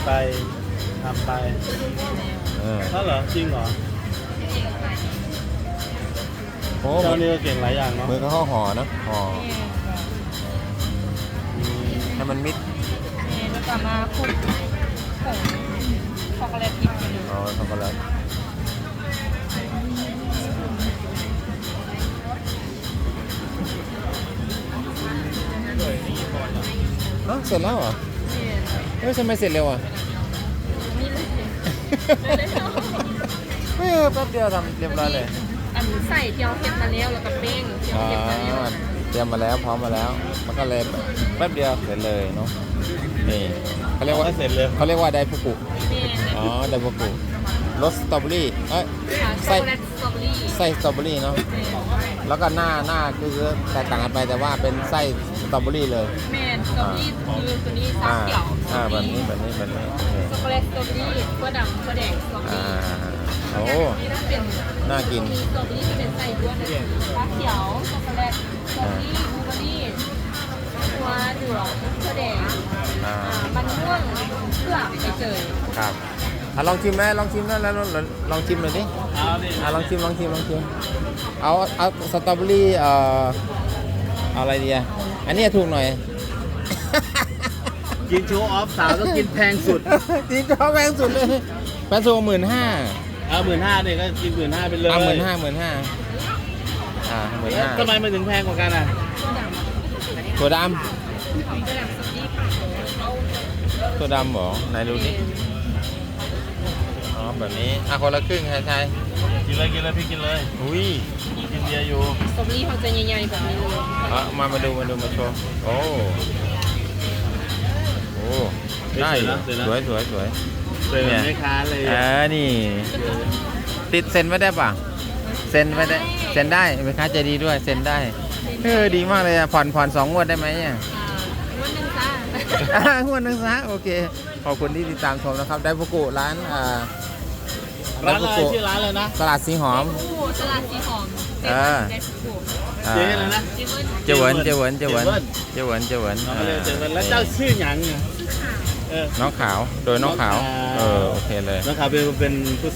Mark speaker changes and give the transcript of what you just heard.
Speaker 1: ไปทำไป
Speaker 2: เออ
Speaker 1: ถ้าเหรอจริงเหรอ
Speaker 2: โอ้
Speaker 1: เจ้านี่ก็เก่งหลายอย่างเนาะ
Speaker 2: มือก็ห่อเนาะห่อให้มันมิด
Speaker 3: แล้วก็มาคลุกผงช็อกโกแลตอีกทีหนึง
Speaker 2: เอาช็อกโกแลตเอ้าเสร็จแล้วเหรอเฮ้ยทำไมเสร็จเร็วอ่ะ
Speaker 3: นี่เลย
Speaker 2: ไม่แป๊บเดียวทำเรียบร้อยเลย
Speaker 3: อันใส่เจียวเห็ดมาแล้วแล้วก็เป้งเจียว
Speaker 2: อ๋อ
Speaker 3: เห็ดมาแล้ว
Speaker 2: เตรียมมาแล้วพร้อมมาแล้ว มันก็เลยแป๊บเดียวเสร็จเลยเนาะนี่เขาเรียกว่า
Speaker 1: เสร็จเลย
Speaker 2: เขาเรียกว่าไดฟุกุ
Speaker 3: นี่
Speaker 2: อ๋อไดฟุกุรสสตรอเบอรี่เอ้ย
Speaker 3: ช็อกโกแลตสตรอเบอรี่
Speaker 2: ไส้สตรอเบอรี่เนาะแล้วก็หน้าคือแตกต่างกันไปแต่ว่าเป็นไส้สตรอเบอรี่เลย
Speaker 3: แมนสตรอเบอรี่คือตัวนี้ซาเขียว
Speaker 2: แบบนี้โอเค
Speaker 3: ช็อกโกแลตสตรอเบอรี่ขั้วดำขั้วแดงสตรอเบอ
Speaker 2: อ่า
Speaker 3: รี่
Speaker 2: โอ้
Speaker 3: นี่ถ้าเป็น
Speaker 2: น่ากิน
Speaker 3: มีสตรอเบอรี่จะเป็นไส้ด้วนนะชาเขียวช็อกโกแลตสตรอเบอรี่บลูเบอรี่ขั้วเหลืองขั้วแดง มันม่วงเพื่อไปเจย
Speaker 2: ครับลองชิมไหมลองชิมนะแล้วลองชิมหน่อยดิ
Speaker 1: เอาดิ
Speaker 2: ลองชิมเอาสตรอเบอรี่เอาอะไรดีอ่ะอันนี้ถูกหน่อย
Speaker 1: กินโชว์ออฟสาวต้องกินแพงสุด
Speaker 2: จริงเขาแพงสุดเลยแพงสุด15,000
Speaker 1: เอา15,000เนี่ยก็กิน15,000ไปเลย
Speaker 2: 15,000 15,000
Speaker 1: ทำไมมันถึงแพงกว่ากันอ่ะ
Speaker 2: ถั่วด
Speaker 3: กระดับสตีฟ
Speaker 2: ำถั่วดำเหรอไหนดูดิอ๋อแบบนี้คนละครึ่งใช่
Speaker 1: กินเลยพี่กินเลย
Speaker 2: อุ้ย
Speaker 1: กินเบียร์อยู่
Speaker 3: สตรอเบอรี่เขาจะใหญ่ๆแบบนี้เลย
Speaker 2: มาดูมาโชว์โอ้ได้อยู่สวย
Speaker 1: เจอ
Speaker 2: เนี่ย
Speaker 1: แม่ค้าเลย
Speaker 2: นี่ ติดเซ็นไว้ได้ป่ะเซ็นไว้ได้เซ็นได้แม่ค้าใจดีด้วยเซ็นได้ดีมากเลยอ่ะผ่อน2 งวดได้ไหมเนี่ย
Speaker 3: วันหนึ่งจ้าง
Speaker 2: วดหนึงซะโอเคขอบคุณที่ติดตามชมนะครับไดฟุกุร้าน
Speaker 1: ร้านอะไรชื่อร้านเลยนะ
Speaker 2: ตลาดสีหอม
Speaker 3: ผู้ตลาดสีหอมเจได้สุกุ
Speaker 2: อ่า
Speaker 1: เจ๊อะไรนะ
Speaker 3: เจเบิ้ล
Speaker 2: เจเหวิน
Speaker 1: น้องก็เลยเจอกันแล้วเจ้าชื่อหยังเนี่ย
Speaker 2: น้องขาวโดยน้องขาวโอเคเลย
Speaker 1: น้องขาวเป็นผู้